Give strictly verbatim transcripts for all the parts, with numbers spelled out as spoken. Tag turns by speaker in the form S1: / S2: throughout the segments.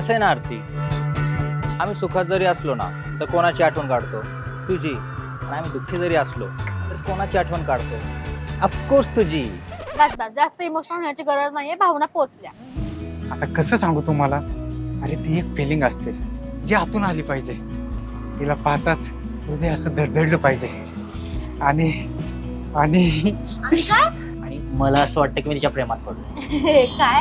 S1: कसं आहे ना आरती, आम्ही सुखात जरी असलो ना तर कोणाची आठवण काढतो? तुझी. आणि आम्ही दुःखी जरी असलो तर कोणाची आठवण काढतो? ऑफकोर्स तुझी.
S2: बस बस, जास्त इमोशनल होण्याची गरज नाहीये, भावना पोहोचल्या.
S3: आता कसं सांगू तुम्हाला, अरे ती एक फिलिंग असते जी आतून आली पाहिजे. तिला पाहताच हृदय असं धडधडलं पाहिजे. आणि आणि
S2: आणि काय?
S1: आणि मला असं वाटतं की मी तिच्या प्रेमात पडलो.
S2: काय?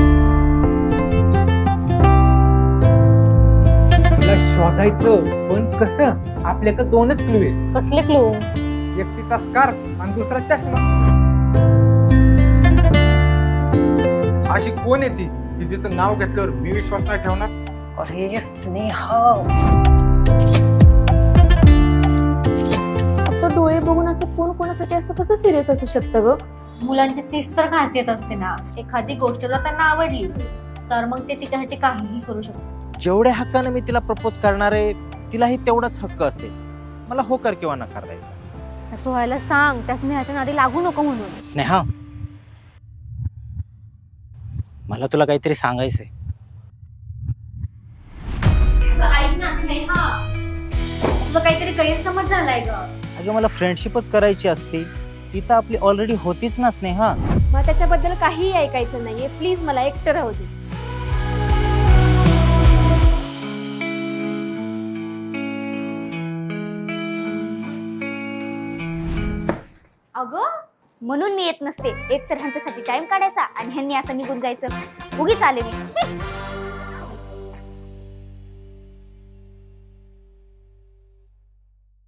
S3: तिला शोधायचं, पण कसं? आपल्याकडे दोनच क्लू आहे.
S2: कसले क्लू?
S3: एक तिचा स्कार्फ आणि दुसरा चष्मा. अशी कोण आहे ती की जिचं नाव घेतल्यावर मी विश्वास नाही ठेवणार?
S1: अरे स्नेहा,
S4: फक्त डोळे बघून असं कोण कोणासाठी असं कसं सिरियस असू शकतं ग?
S2: मुलांची तीच तर खासियत असते ना, एखादी गोष्ट जर त्यांना आवडली तर मग ते तिच्यासाठी काहीही करू शकतो.
S1: जेवढ्या हक्कानं मी तिला प्रपोज करणार आहे तिलाही तेवढाच हक्क असेल. मला होकार किंवा नकार द्यायचा.
S4: असं व्हायला सांग, त्या स्नेहाच्या नादी लागू नको म्हणून.
S1: स्नेहा, मला तुला काहीतरी सांगायचंय.
S2: ऐक ना स्नेहा, तुझा काहीतरी गैरसमज झालाय ग.
S1: अगं मला फ्रेंडशिपच करायची असती, ती तर आपली ऑलरेडी होतीच ना स्नेहा.
S4: मग त्याच्याबद्दल काहीही ऐकायचं नाहीये, प्लीज मला एकटं राहू दे.
S2: अगं म्हणून मी येत नसते, एक तर ह्यांच्यासाठी टाइम काढायचा आणि ह्यांनी असं निघून जायचं. उगीच आले मी.